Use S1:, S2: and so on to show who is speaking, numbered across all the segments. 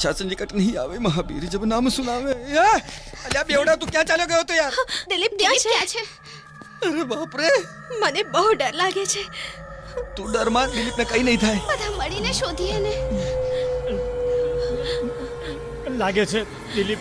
S1: अच्छा संकट नहीं आवे महावीर जब नाम सुनावे। अल्યા બેવડા તું ક્યાં ચાલ્યો ગયો તો યાર?
S2: દિલીપ ક્યાં છે?
S1: અરે બાપ રે,
S2: મને બહુ ડર લાગે છે.
S1: તું ડરમાં, દિલીપને કઈ નહીં થાય.
S2: બધા મળીને શોધીએ ને.
S3: લાગે છે દિલીપ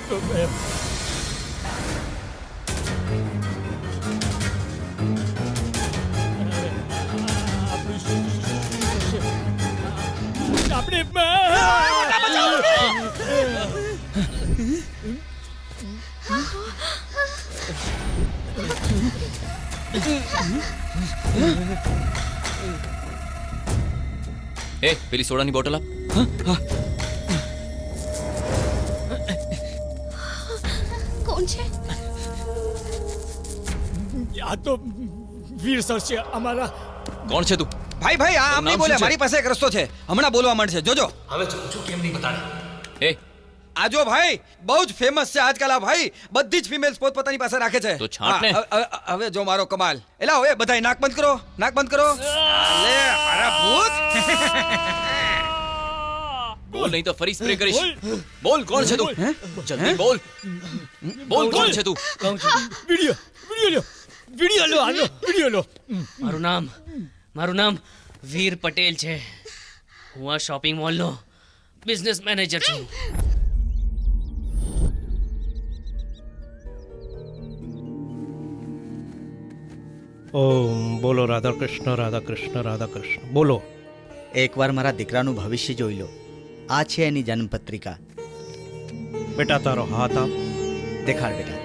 S4: એ પેલી સોડાની બોટલ આપ.
S2: કોણ છે?
S3: આ તો વીર સર છે અમારા.
S4: કોણ છે તું?
S1: ભાઈ ભાઈ આ આમ નહીં બોલે, મારી પાસે એક રસ્તો છે, હમણાં બોલવા માંડશે, જોજો.
S5: હવે છું કેમ નહીં બતાડે.
S4: એ
S1: આ જો ભાઈ, બહુ જ ફેમસ છે આજકાલ આ ભાઈ, બધી જ ફિમેલ્સ પોતપોતાની પાસે રાખે છે.
S4: તો છાંટ ને.
S1: હવે જો મારો કમાલ. એલા હવે બધાય નાક બંધ કરો, નાક બંધ કરો. લે મારા ભૂત.
S4: બોલ નહીં તો ફરી સ્પ્રે કરીશ. બોલ કોણ છે તું? જલ્દી બોલ. બોલ કોણ છે તું?
S3: વિડિયો લો.
S6: મારું નામ વીર પટેલ છે. હું આ શોપિંગ મોલનો બિઝનેસ મેનેજર છું.
S7: ઓમ બોલો રાધા કૃષ્ણ રાધા કૃષ્ણ રાધા કૃષ્ણ. બોલો.
S8: એકવાર મારા દીકરાનું ભવિષ્ય જોઈ લો. આ છે એની જન્મપત્રિકા.
S7: બેટા તારો હાથ આપ.
S8: દેખાડ બેટા.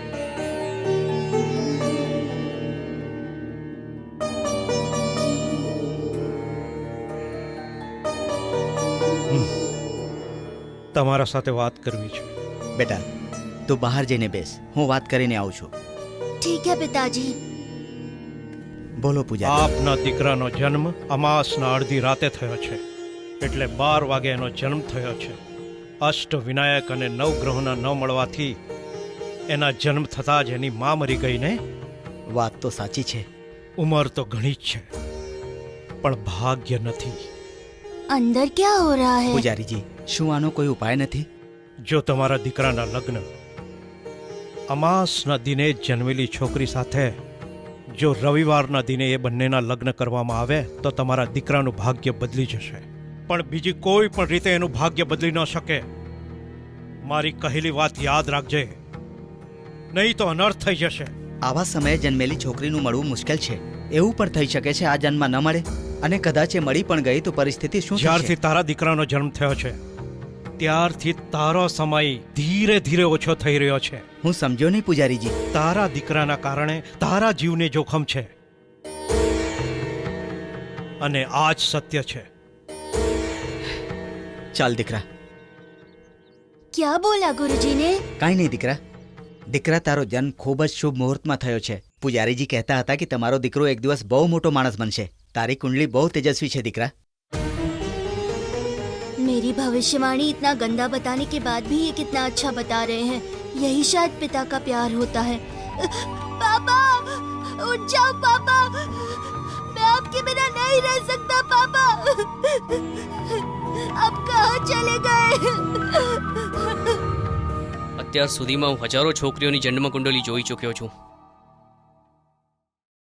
S7: તમારા સાથે વાત કરવી છે.
S8: બેટા તું બહાર જઈને બેસ, હું વાત કરીને આવું છું.
S2: ઠીક હે પિતાજી.
S8: બોલો પૂજા.
S7: આપના દીકરાનો જન્મ અમાસના અડધી રાતે થયો છે, એટલે 12 વાગે એનો જન્મ થયો છે. અષ્ટ વિનાયક અને નવગ્રહોના ન મળવાથી એના જન્મ થતાં જ એની મા મરી ગઈ ને.
S8: વાત તો સાચી છે.
S7: ઉંમર તો ઘણી જ છે, પણ ભાગ્ય નથી.
S2: અંદર ક્યાં હો રહા હે?
S8: પૂજારીજી, શું આનો કોઈ ઉપાય નથી?
S7: જો તમારા દીકરાના લગ્ન અમાસના દિને જ જન્મેલી છોકરી સાથે જો રવિવારના દિને એ બંનેના લગ્ન કરવામાં આવે તો તમારા દીકરાનું ભાગ્ય બદલી જશે. પણ બીજી કોઈ પણ રીતે એનું ભાગ્ય બદલી ન શકે. મારી કહેલી વાત યાદ રાખજે, નહીં તો અનર્થ થઈ જશે.
S8: આવા સમયે જન્મેલી છોકરીનું મળવું મુશ્કેલ છે. એવું પણ થઈ શકે છે આ જન્મમાં ન મળે, અને કદાચ એ મળી પણ ગઈ તો પરિસ્થિતિ શું થશે?
S7: જ્યારથી તારા દીકરાનો જન્મ થયો છે ત્યારથી તારો સમય ધીરે ધીરે ઓછો થઈ રહ્યો છે.
S8: હું સમજ્યો નહીં પૂજારીજી.
S7: તારા દીકરાના કારણે તારા જીવને જોખમ છે, અને આ જ સત્ય છે.
S8: ચાલ દીકરા.
S2: ક્યાં બોલા ગુરુજી ને?
S8: કાંઈ નહીં દીકરા. દીકરા તારો જન્મ ખૂબ જ શુભ મુહૂર્તમાં થયો છે. પૂજારીજી કહેતા હતા કે તમારો દીકરો એક દિવસ બહુ મોટો માણસ બનશે. તારી કુંડલી બહુ તેજસ્વી છે દીકરા.
S2: मेरी भविष्यवाणी इतना गंदा बताने के बाद भी ये कितना अच्छा बता रहे हैं. यही शायद पिता का प्यार होता है. पापा उठ जाओ पापा, मैं आपके बिना नहीं रह सकता पापा. आप कहाँ चले गए?
S6: અત્યાર સુધીમાં હું હજારો છોકરીઓની જન્મ કુંડલી જોઈ ચૂક્યો છું.